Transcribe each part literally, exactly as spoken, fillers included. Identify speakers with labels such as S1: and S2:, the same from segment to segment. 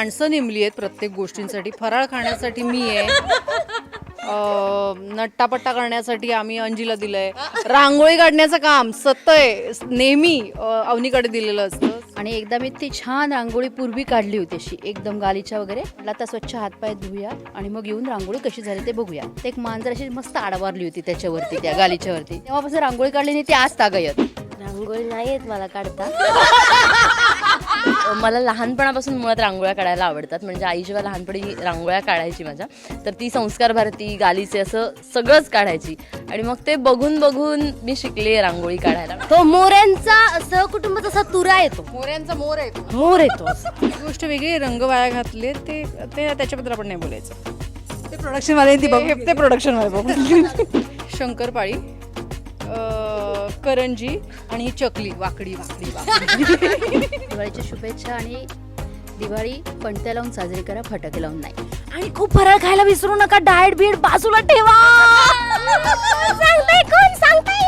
S1: माणसं नेमली आहेत प्रत्येक गोष्टींसाठी. फराळ खाण्यासाठी मी आहे, नट्टापट्टा करण्यासाठी आम्ही अंजीला दिलंय, रांगोळी काढण्याचं काम सतय नेहमी अवनीकडे दिलेलं असतं.
S2: आणि एकदा मी ती छान रांगोळी पूर्वी काढली होती अशी एकदम गालीच्या वगैरे. म्हटलं आता स्वच्छ हातपाय धुया आणि मग येऊन रांगोळी कशी झाली ते बघूया. ते एक मांजर अशी मस्त आडवारली होती त्याच्यावरती, त्या गालीच्या वरती. तेव्हापासून रांगोळी काढली नाही ती आज तागायत.
S3: रांगोळी नाही येत मला काढता. मला लहानपणापासून मुळात रांगोळ्या काढायला आवडतात. म्हणजे आई जेव्हा लहानपणी रांगोळ्या काढायची माझ्या, तर ती संस्कार भारती, गालीचे असं सगळंच काढायची. आणि मग ते बघून बघून मी शिकले रांगोळी काढायला. तो मोऱ्यांचा सहकुटुंब तसा तुरा येतो,
S1: मोऱ्यांचा मोर आहे तो.
S3: मोर येतो.
S1: ही गोष्ट वेगळी, रंग वाया घातले ते ते त्याच्याबद्दल आपण नाही बोलायचं.
S4: ते प्रोडक्शन वाले ती बघ
S1: ते प्रोडक्शन वाले बघू. शंकरपाळी, करंजी आणि ही चकली वाकडी वाकडी वाकडी.
S2: दिवाळीच्या शुभेच्छा. आणि दिवाळी पणत्या लावून साजरी करा, फटाके लावून नाही.
S3: आणि खूप फराळ खायला विसरू नका. डाएट बीट बाजूला ठेवा. सांगताय कोण सांगताय?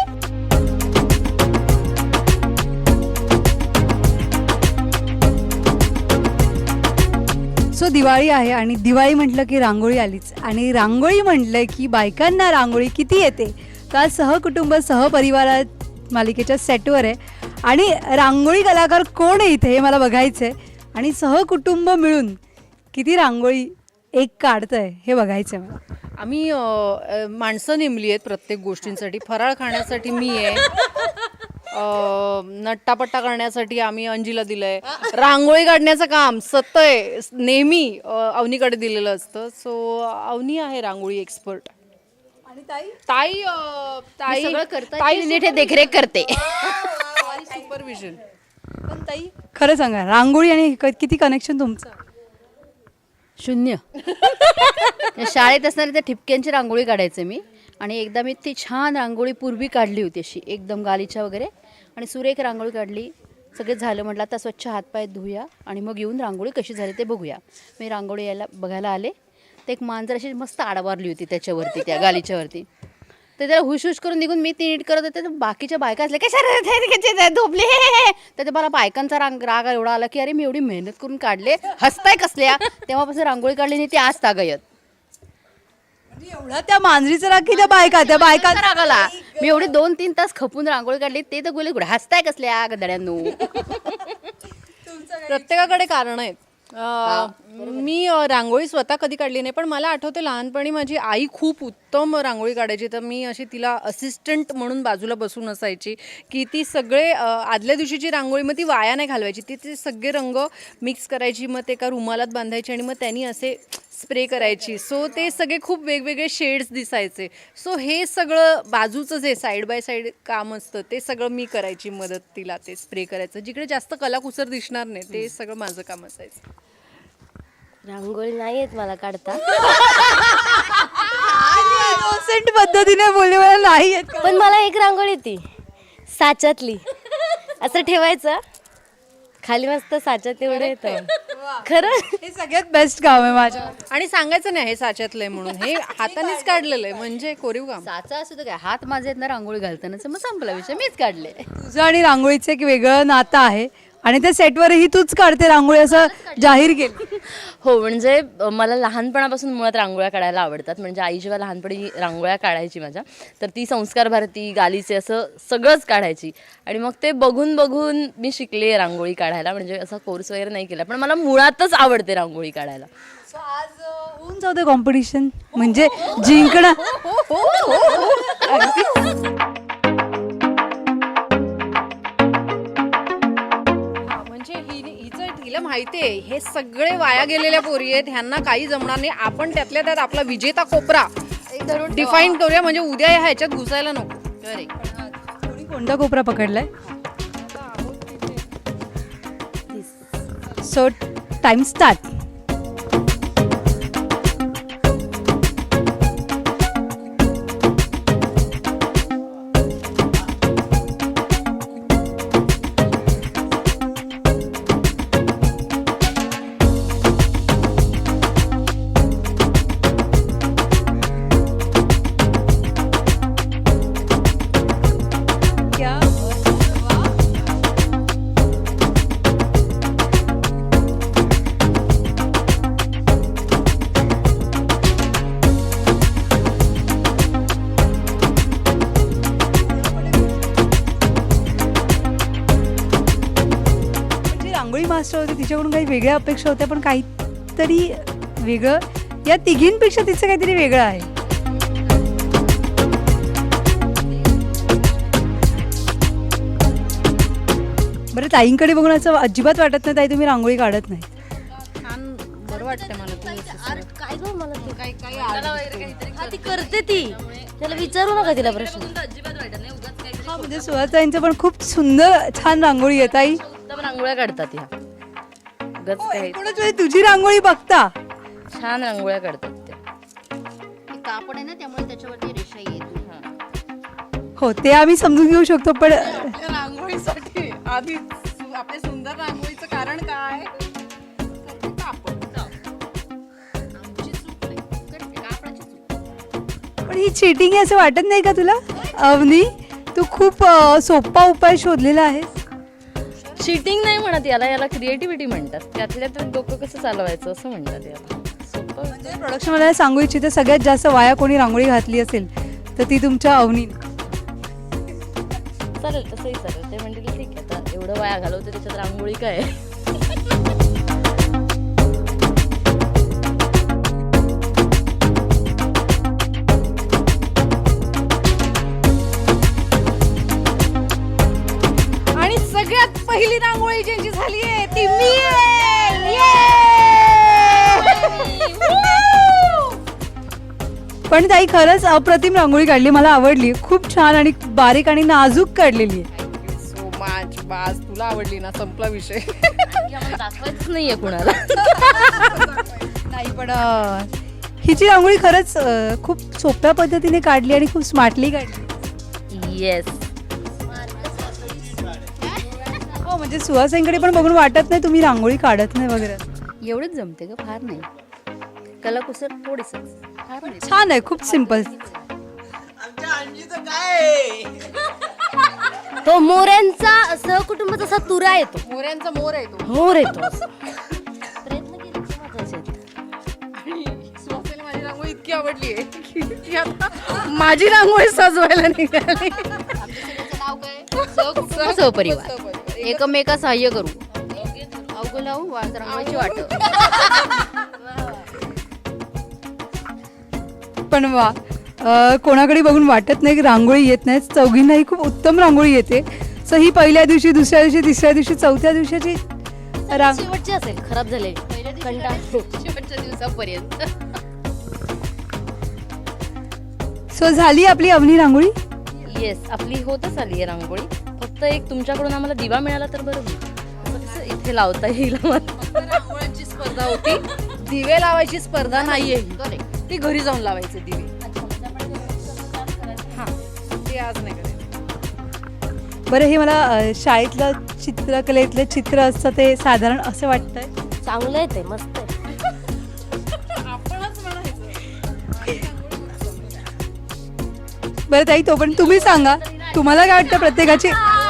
S4: सो दिवाळी आहे आणि दिवाळी म्हटलं की रांगोळी आलीच. आणि रांगोळी म्हटलं की बायकांना रांगोळी किती येते. तर सहकुटुंब सहपरिवारात मालिकेच्या सेटवर आहे आणि रांगोळी कलाकार कोण आहे इथे हे मला बघायचं आहे. आणि सहकुटुंब मिळून किती रांगोळी एक काढतंय हे बघायचं आहे मला.
S1: आम्ही अ, माणसं नेमली आहेत प्रत्येक गोष्टींसाठी. फराळ खाण्यासाठी मी आहे, नट्टापट्टा करण्यासाठी आम्ही अंजीला दिलंय, रांगोळी काढण्याचं काम सतय नेहमी अवनीकडे दिलेलं असतं. सो अवनी आहे रांगोळी एक्सपर्ट.
S4: आणि ताई
S1: ताई अ, ताई
S2: सगळं करतात,
S1: ताई
S2: ती नीट हे देखरेख करते.
S1: सुपरविजन.
S4: पण ताई खरं सांगा, रांगोळी आणि क- किती कनेक्शन तुमचं.
S2: शून्य. शाळेत असणाऱ्या त्या ठिपक्यांची रांगोळी काढायचे मी. आणि एकदा मी ती छान रांगोळी पूर्वी काढली होती अशी एकदम गालीच्या वगैरे. आणि सुरेख रांगोळी काढली, सगळे झालं. म्हटलं आता स्वच्छ हातपाय धुया आणि मग येऊन रांगोळी कशी झाली ते बघूया. मी रांगोळी यायला बघायला आले, तर एक मांजर अशी मस्त आडवारली होती त्याच्यावरती, त्या गालीच्या वरती. तर त्याला हुशहुश करून निघून मी ती नीट करत होते, तर बाकीच्या बायका असल्या कशा धोपले. तर ते मला बायकांचा रांग राग एवढा आला की अरे मी एवढी मेहनत करून काढले, हसताय कसल्या. तेव्हापासून रांगोळी काढली नाही ती आज तागायत.
S4: एवढा त्या मांजरीचा राग की त्या बायका त्या बायका
S2: राग आला. मी एवढे दोन तीन तास खपून रांगोळी काढली, ते तर बोलले कुठे हसताय कसल्या गदड्यांनो.
S1: प्रत्येकाकडे कारण आहेत. अ, मी अ, रांगोळी स्वतः कधी काढली नाही, पण मला आठवते लहानपणी माझी आई खूप उत्तम रांगोळी काढायची. तर मी अशी तिला असिस्टंट म्हणून बाजूला बसून असायची की ती सगळे अ, आदल्या दिवशीची रांगोळी मग ती वाया नाही घालवायची. ती ते सगळे रंग मिक्स करायची, मग ते एका रुमालात बांधायची आणि मग त्यांनी असे स्प्रे करायची. सो ते सगळे खूप वेगवेगळे शेड्स दिसायचे. सो हे सगळं बाजूचं जे साईड बाय साईड काम असतं ते सगळं मी करायची मदत तिला ते स्प्रे करायचं. जिकडे जास्त कलाकुसर दिसणार नाही ते सगळं माझं काम असायचं.
S3: रांगोळी नाही येत मला काढता.
S4: इनोसेंट पद्धतीने बोलले मला नाही येत.
S3: पण मला एक रांगोळी येते साच्यातली. असं ठेवायचं खाली मस्त साच्यात एवढं येतं. खरं
S4: हे सगळ्यात बेस्ट काम आहे माझ्या.
S1: आणि सांगायचं नाही हे साच्यातलंय म्हणून, हे हातानेच काढलेलं आहे म्हणजे कोरीव काम.
S2: साचा असू तर काय, हात माझे आहेत ना रांगोळी घालतानाच, मग संपला विषय, मीच काढले.
S4: तुझं आणि रांगोळीचं एक वेगळं नातं आहे आणि त्या सेटवरही तूच काढते रांगोळी असं जाहीर केलं.
S5: हो, म्हणजे अ, मला लहानपणापासून मुळात रांगोळ्या काढायला आवडतात. म्हणजे आई जेव्हा लहानपणी रांगोळ्या काढायची माझ्या, तर ती संस्कार भारती, गालीचे असं सगळंच काढायची. आणि मग ते बघून बघून मी शिकले रांगोळी काढायला. म्हणजे असा कोर्स वगैरे नाही केला, पण मला मुळातच आवडते रांगोळी काढायला.
S4: सो आज अ, होऊन जाऊ दे कॉम्पिटिशन, म्हणजे जिंकणं.
S1: म्हणजे ही हिचं हिला माहिती आहे हे सगळे वाया गेलेल्या पोरी आहेत, ह्यांना काही जमणार नाही. आपण त्यातल्या त्यात आपला विजेता कोपरा डिफाईन करूया, म्हणजे उद्या ह्या ह्याच्यात घुसायला नको. अरे
S4: कोणी कोणता कोपरा पकडलाय. So time start. मास्टर होती, तिच्याकडून काही वेगळ्या अपेक्षा होत्या, पण काहीतरी वेगळं या तिघींपेक्षा तिचं काहीतरी वेगळं आहे. बरं, ताईंकडे बघून असं अजिबात वाटत नाही ताई तुम्ही रांगोळी काढत नाही.
S1: छान बरं वाटतं मला तू असं
S2: काय गं मला ते
S1: काही काही आर्ट
S2: हा, ती करते ती, त्याला विचारू नका तिला प्रश्न.
S4: हा, म्हणजे सुहाताईंचं पण खूप सुंदर छान रांगोळी आहे ताई.
S3: उत्तम रांगोळ्या काढतात ह्या उगाच काही
S4: एकूणच म्हणजे तुझी रांगोळी बघता
S3: छान रांगोळ्या काढतात त्या.
S2: ते कापड आहे ना, त्यामुळे त्याच्यावरती रेषा येते.
S4: हो, ते आम्ही समजून घेऊ शकतो, पण
S1: आपल्या रांगोळीसाठी आधी सु- आपल्या सुंदर रांगोळीचं कारण काय? तर ते कापड. आमची चूक नाही, तर कापडाची चूक.
S4: पण ही चिटिंग आहे असं वाटत नाही का तुला अवनी? तू खूप अ, सोपा उपाय शोधलेला आहेस.
S3: चिटिंग नाही म्हणत याला, याला क्रिएटिव्हिटी म्हणतात. त्यातल्या तर डोकं कसं चालवायचं असं म्हणतात याला. सोपं.
S4: प्रोडक्शन मला सांगू इच्छिते, सगळ्यात जास्त वाया कोणी रांगोळी घातली असेल तर ती तुमच्या अवनी.
S3: चालेल, तसंही चालेल. ते म्हणतील ठीक आहे, आता एवढं वाया घालवते त्याच्यात रांगोळी काय आहे?
S1: आणि सगळ्यात पहिली रांगोळी ज्यांची झाली आहे ती मी आहे.
S4: पण ताई खरंच अप्रतिम रांगोळी काढली, मला आवडली. खूप छान आणि बारीक आणि नाजूक काढलेली आहे.
S1: So much. बास, तुला आवडली ना, संपला विषय.
S3: आम्हाला दाखवायचंच नाहीये कुणाला.
S4: नाही, पण अ, हिची रांगोळी खरंच अ, खूप सोप्या पद्धतीने काढली आणि खूप स्मार्टली काढली.
S3: येस.
S4: हो, म्हणजे सुहासाईंकडे पण बघून वाटत नाही तुम्ही रांगोळी काढत नाही वगैरे.
S2: एवढंच जमते ग, फार नाही. कलाकुसर थोडीस, फार नाही.
S4: छान आहे, खूप सिम्पल.
S2: तो मोऱ्यांचा सहकुटुंब जसा तुरा येतो,
S1: मोऱ्यांचा मोर आहे तो.
S2: मोर येतो असं. प्रयत्न केले तर महत्वाचे आहेत.
S1: आणि सुहासिनीला माझी रांगोळी इतकी आवडली आहे की ती आता माझी रांगोळी सजवायला निघाली.
S2: सहकुटुंब सहपरिवार एकमेका सहाय्य करू, अवघ लावून वा- रांगोळीची वाट.
S4: पण वा, अ, कोणाकडे बघून वाटत नाही की रांगोळी येत नाही. चौघींनाही खूप उत्तम रांगोळी येते. सो ही पहिल्या दिवशी, दुसऱ्या दिवशी, तिसऱ्या दिवशी, चौथ्या दिवसाची रांग
S2: शेवटची असेल खराब झालेली, कंटाळ शेवटच्या दिवसापर्यंत.
S4: सो झाली आपली अवनी रांगोळी.
S3: येस, आपली होतच आली आहे रांगोळी. फक्त एक तुमच्याकडून आम्हाला दिवा मिळाला तर बरं होईल. असं कसं इथे लावता येईल आम्हाला.
S1: रांगोळ्यांची स्पर्धा होती, दिवे लावायची स्पर्धा नाहीये ही. ती घरी जाऊन लावायचे दिवे. हा, ते आज नाही करायचं.
S4: बरं, हे मला अ, शाळेतलं चित्रकलेतलं चित्र असतं ते साधारण असं वाटतंय.
S2: चांगलं आहे ते, मस्त आहे.
S1: आपणच म्हणायचं.
S4: बरं ताई, तो पण तुम्ही सांगा, तुम्हाला काय वाटतं प्रत्येकाची.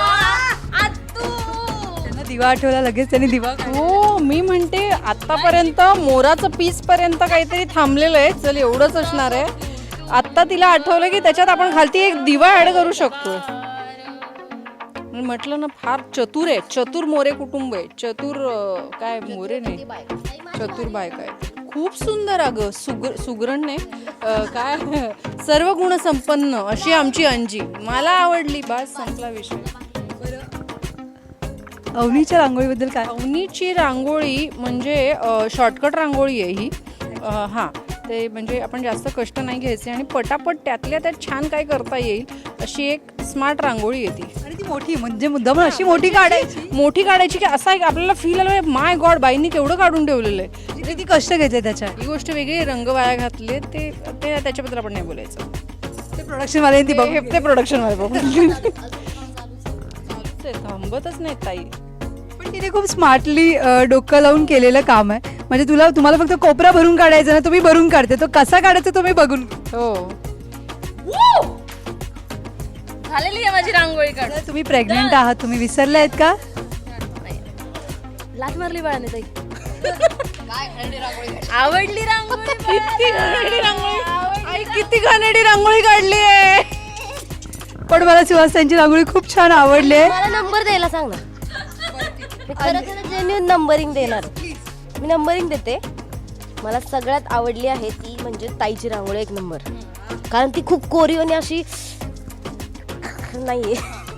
S4: त्यांना दिवा आठवला, लगेच त्यांनी दिवा काढला.
S1: हो, मी म्हणते आतापर्यंत मोराचं पीस पर्यंत काहीतरी थांबलेलं आहे. चल, एवढंच असणार आहे. आत्ता तिला आठवलं की त्याच्यात आपण खालती एक दिवा ऍड करू शकतो. म्हटलं ना, फार चतुर आहे. चतुर मोरे कुटुंब आहे. चतुर अं, काय मोरे नाही, चतुर बायका आहे. खूप सुंदर अगं, सुग सुगरणने अं, काय सर्व गुण संपन्न अशी आमची अंजी. मला आवडली. बास, संपला विषय.
S4: अवनीच्या रांगोळीबद्दल काय.
S1: अवनीची रांगोळी म्हणजे शॉर्टकट रांगोळी आहे ही. अ, हां, ते म्हणजे आपण जास्त कष्ट नाही घ्यायचे आणि पटापट त्यातल्या त्यात छान काय करता येईल अशी एक स्मार्ट रांगोळी येते.
S4: आणि ती मोठी, म्हणजे मुद्दाम अशी मोठी काढायची,
S1: मोठी काढायची की असा एक आपल्याला फील आलं, माय गॉड, बाईंनी केवढं काढून ठेवलेलं आहे.
S4: किती कष्ट घेतले त्याच्या.
S1: ही गोष्ट वेगळी. रंग वाया घातले ते ते त्याच्याबद्दल आपण नाही बोलायचं.
S4: ते प्रोडक्शनवाल्यांनी ती बघ.
S1: ते प्रोडक्शन मध्ये बघून थांबतच नाही ताई.
S4: पण तिने खूप स्मार्टली डोकं लावून केलेलं काम आहे. म्हणजे तुला तुम्हाला फक्त कोपरा भरून काढायचा ना, तुम्ही भरून काढते. तो कसा काढायचा तुम्ही बघून.
S1: हो,
S3: झालेली आहे माझी रांगोळी काढ.
S4: जर तुम्ही प्रेग्नेंट आहात, तुम्ही विसरले आहेत का.
S3: लाथ मारली बाळाने ताई. आवडली रांगोळी.
S1: किती घाणेरडी रांगोळी. आई, किती घाणेरडी रांगोळी काढली आहे.
S4: पण मला सुहास त्यांची रांगोळी खूप छान आवडली आहे.
S2: मला नंबर द्यायला सांग ना.
S6: मी खरं खरं जेन्युइन नंबरिंग देणार. मी नंबरिंग देते. मला सगळ्यात आवडली आहे ती म्हणजे ताईची रांगोळी एक नंबर. कारण ती खूप कोरीव आणि अशी नाहीये.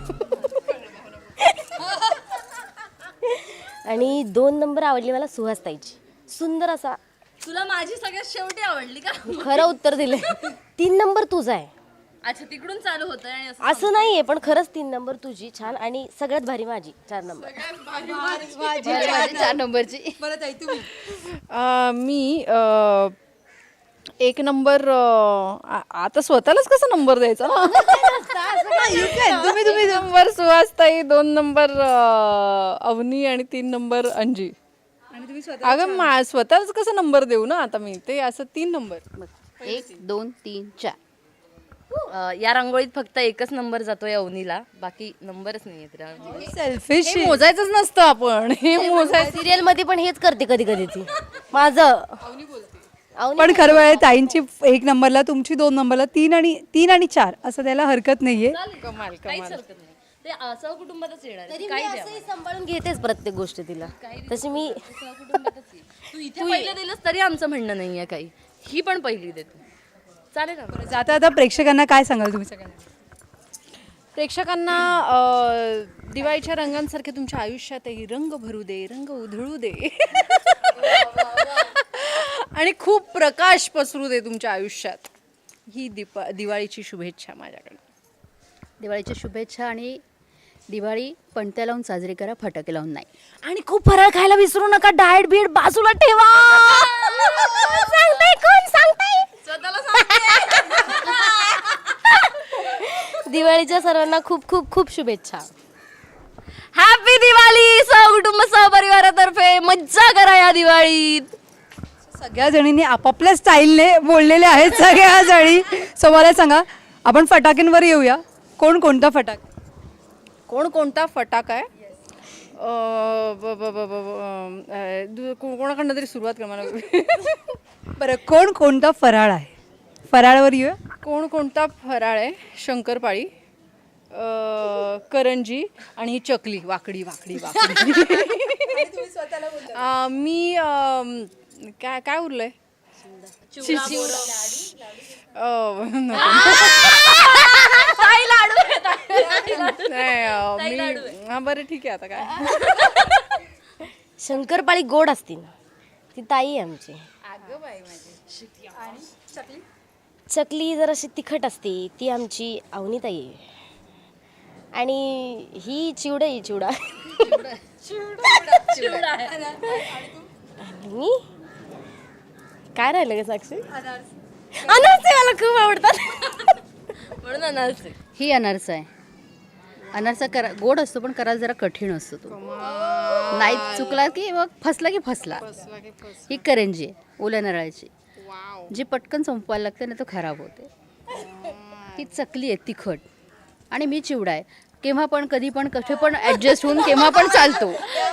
S6: आणि दोन नंबर आवडली मला सुहास ताईची. सुंदर असा.
S3: तुला माझी सगळ्यात शेवटी आवडली का?
S6: खरं उत्तर दिले. तीन नंबर तुझा आहे.
S3: अच्छा, तिकडून चालू होतंय आणि असं
S6: असं नाहीये, पण खरंच तीन नंबर तुझी छान आणि सगळ्यात भारी माझी चार नंबर.
S2: चार नंबरची.
S1: अ, मी अ, एक नंबर अ, आ- आता स्वतःलाच कसा नंबर द्यायचा ना तुम्ही तुम्ही नंबर सुहासताई, दोन नंबर अ, अवनी आणि तीन नंबर अंजी. अगं मा स्वतःच कसा नंबर देऊ ना आता मी, ते असं तीन नंबर.
S2: एक दोन तीन चार.
S3: अं, या रांगोळीत फक्त एकच नंबर जातोय अवनीला, बाकी नंबरच नाहीये त्या रांगोळीत.
S4: सेल्फिश.
S1: हे मोजायचंच नसतं आपण, हे मोजायचं.
S6: सिरियल मध्ये पण हेच करते कधी कधी ती. माझं अवनी
S4: पण खरं आहे ताईंची एक नंबरला, तुमची दोन नंबरला, तीन आणि तीन आणि चार असं द्यायला हरकत नाहीये.
S1: कमाल
S3: काहीच
S1: कमाल.
S3: हरकत नाही. ते असं कुटुंबातच येणार आहे.
S6: तरी मी असंही सांभाळून घेतेच प्रत्येक गोष्ट तिला. तशी मी
S3: तू इथे पहिलं दिलंस तरी आमचं म्हणणं नाहीये काही. ही पण पहिली देते, चालेल ना?
S4: जाता आता प्रेक्षकांना काय सांगाल तुम्ही सगळ्यांना?
S1: प्रेक्षकांना अ, दिवाळीच्या रंगांसारखे तुमच्या आयुष्यातही रंग भरू दे, रंग उधळू दे आणि खूप प्रकाश पसरू दे तुमच्या आयुष्यात. ही दीपा दिवाळीची शुभेच्छा माझ्याकडे.
S2: दिवाळीच्या शुभेच्छा. आणि दिवाळी पणत्या लावून साजरी करा, फटाके लावून नाही.
S6: आणि खूप फराळ खायला विसरू नका. डाएट बीट बाजूला ठेवा. सांगताय कोण सांगताय? दिवाळीच्या सर्वांना खूप खूप खूप शुभेच्छा.
S3: हॅपी दिवाळी. सहकुटुंब सहपरिवारातर्फे मज्जा करा या दिवाळीत.
S4: सगळ्या जणींनी आपापल्या स्टाईलने बोललेल्या आहेत सगळ्या जणी. सो मला सांगा, आपण फटाक्यांवर येऊया. कोण कोणता फटाका?
S1: कोण कोणता फटाका आहे? अ, ब- ब- ब- ब- ब- अ, दु- को- कोणाकडनं तरी सुरुवात कर मला.
S4: बरं, कोण कोणता फराळ आहे? फराळवर येऊया.
S1: कोण कोणता फराळ आहे? शंकरपाळी, अ, करंजी आणि ही चकली वाकडी वाकडी वाकडी. अ, मी अम, काय काय उरलंय? अ, नाही अ, मी हा बरं ठीक आहे आता काय.
S6: शंकरपाळी गोड असती ना, ती ताई आहे आमची. चकली जराशी तिखट असते, ती आमची अवनी ताई आहे. आणि ही चिवडा ही चिवडा आणि काय राहिलं का साक्षी? अनारसे मला खूप आवडतात.
S3: म्हणून अनारसे.
S2: ही अनारसा आहे. अनारसा करा गोड असतो, पण करायला जरा कठीण असतो तो. नाही चुकला की मग फसला की फसला. ही करंजी आहे ओल्या नारळाची, जी पटकन संपवायला लागते नाही तर खराब होते. ही चकली आहे तिखट. आणि मी चिवडा आहे. केव्हा पण कधी पण कसे पण ॲडजस्ट होऊन केव्हा पण चालतो.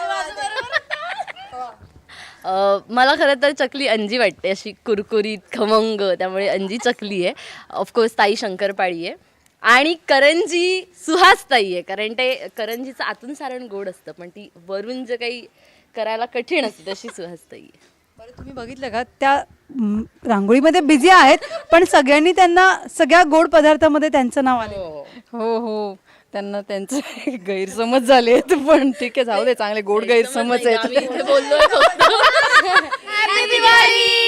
S3: अं, मला खरं तर चकली अंजी वाटते, अशी कुरकुरीत खमंग, त्यामुळे अंजी चकली आहे. ऑफकोर्स ताई शंकरपाळी आहे. आणि करंजी सुहास ताई आहे, कारण ते करंजीचं आतून सारण गोड असतं, पण ती वरून जे काही करायला कठीण असते तशी सुहास ताई आहे.
S4: बरं, तुम्ही बघितलं का त्या म, रांगोळीमध्ये बिझी आहेत, पण सगळ्यांनी त्यांना सगळ्या गोड पदार्थामध्ये त्यांचं नाव आलं.
S1: हो हो, त्यांना त्यांचे गैरसमज झाले आहेत, पण ठीक आहे, जाऊ दे, चांगले गोड गैरसमज आहेत.
S3: बोललोय फक्त.
S6: हॅपी दिवाळी.